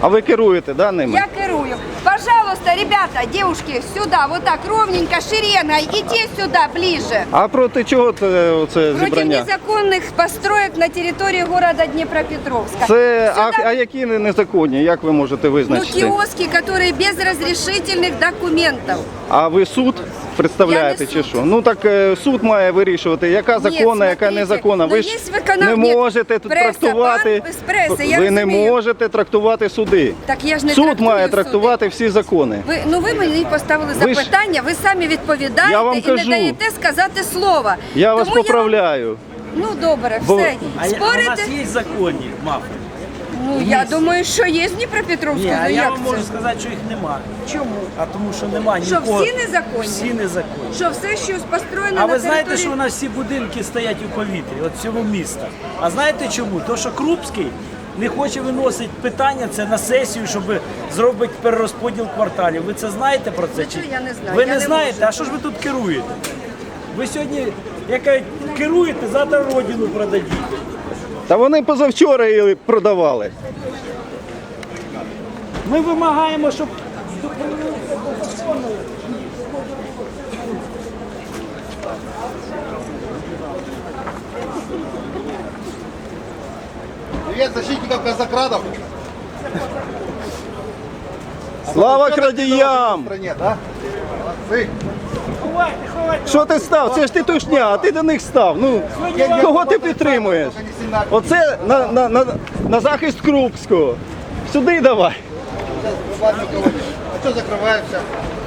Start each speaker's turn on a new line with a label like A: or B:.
A: А ви керуєте, да, ними?
B: Я керую. Пожалуйста, ребята, девушки, сюда, вот так, ровненько, шеренгой, идите сюда, ближе.
A: А проти чого це
B: Против
A: зібрання?
B: незаконных построек на территории города Днепропетровска.
A: Це,
B: Сюда,
A: а які незаконні, як ви можете
B: ну,
A: визначити?
B: киоски, которые без разрешительных документов.
A: А ви суд представляєте
B: Я не
A: чи
B: суд.
A: що? Ну так суд має вирішувати, яка законна, яка
B: смотрите,
A: незаконна. Ви
B: ну,
A: ж
B: є виконав-
A: не
B: Ні,
A: можете тут
B: преса,
A: трактувати,
B: пан з преси, я
A: ви не
B: розумію.
A: можете трактувати суди.
B: Так я ж не
A: Суд
B: трактую
A: має
B: суди.
A: трактувати всі закони.
B: Ви мені поставили
A: Ви ж-
B: запитання, ви самі відповідаєте
A: Я вам
B: і
A: кажу.
B: не даєте сказати слова.
A: Я вас
B: Тому
A: поправляю.
B: Ну добре,
A: Бо-
B: все.
C: А у
B: Спорите?
C: нас є законні мафи?
B: Ну я думаю, що є з Дніпропетровську.
C: Ні, а
B: Ну,
C: я
B: як
C: вам
B: це?
C: можу сказати, що їх немає.
B: Чому?
C: А тому що немає
B: Що
C: нікого.
B: всі незаконні?
C: Всі незаконні.
B: Що все, що построєно
C: А
B: на
C: ви знаєте,
B: території...
C: що у нас всі будинки стоять у повітрі, от цього міста. А знаєте чому? Тому що Крупський не хоче виносити питання це на сесію, щоб зробити перерозподіл кварталів. Ви це знаєте про це?
B: Це я не знаю,
C: Ви
B: я
C: не
B: не
C: знаєте?
B: можу.
C: А що ж ви тут керуєте? Ви сьогодні, як кажуть, керуєте, завтра родину продадіть.
A: Та вони позавчора її продавали.
C: Ми вимагаємо, щоб
D: Привет, защитников казакрадов.
A: Слава
D: В
A: крадіям!
D: стране, да? Молодцы.
A: Що ти став? Це ж тітушня, а ти до них став. Ну, кого ти підтримуєш? Оце на захист Крупського. Сюди давай.
D: А что закрываемся?